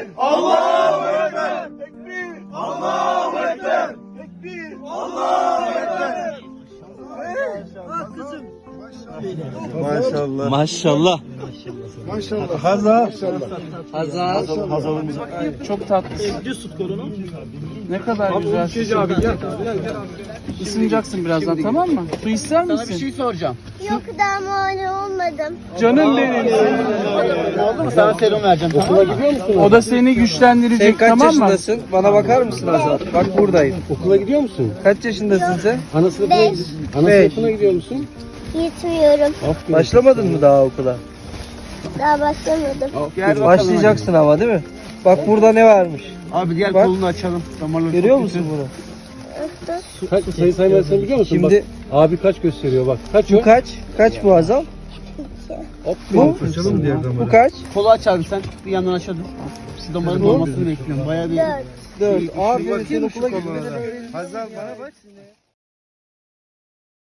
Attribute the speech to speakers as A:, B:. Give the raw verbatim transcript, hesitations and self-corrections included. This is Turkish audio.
A: Tekbir! Allahu Ekber! Tekbir! Allahu Ekber! Tekbir! Allahu Ekber! Ah kızım.
B: Maşallah.
C: Maşallah.
B: Maşallah. Hazal.
C: Hazal.
B: Hazal'ın
C: Çok tatlı.
A: Düz tut kolunu.
C: Ne kadar güzel.
B: abi gel.
C: Isınacaksın birazdan, tamam mı? Su ister misin?
A: Sana bir şey soracağım.
D: Yok daha muayene olmadım.
C: Canım benim.
A: Oldu mu? Sana serum vereceğim. Okula gidiyor musun?
C: O da seni güçlendirecek,
E: Sen kaç
C: tamam mı?
E: yaşındasın? Bana bakar mısın Azal? Bak buradayım.
B: Okula gidiyor musun?
E: Kaç yaşındasın sen?
B: Ana sınıfına,
D: Beş.
B: ana
E: Beş.
B: sınıfına gidiyor musun?
D: Gitmiyorum.
B: Aferin.
E: Başlamadın mı daha okula?
D: Daha başlamadım.
C: Gel bakalım.
E: Başlayacaksın ama değil mi? Bak burada ne varmış?
A: Abi gel
E: Bak.
A: kolunu açalım. Damarları
E: Görüyor
A: çok
E: musun
A: kötü.
E: bunu?
B: Kaç sayı saymasını biliyor musun?
E: Şimdi-
B: Bak, abi kaç gösteriyor bak. Kaç o?
E: Bu kaç? Kaç bu Azal? Bu?
B: Açalım diğer
E: Bu kaç?
A: Kolu aç abi sen. Bir yandan aşağı dur. Şu damarın olmasını bekliyorum. Bayağı bir...
D: Dört.
E: Dört. Aferin sen
B: bakayım şu
E: okula
B: konulara.
E: gitmeden öğrenirsin.
B: Hazal bana bak.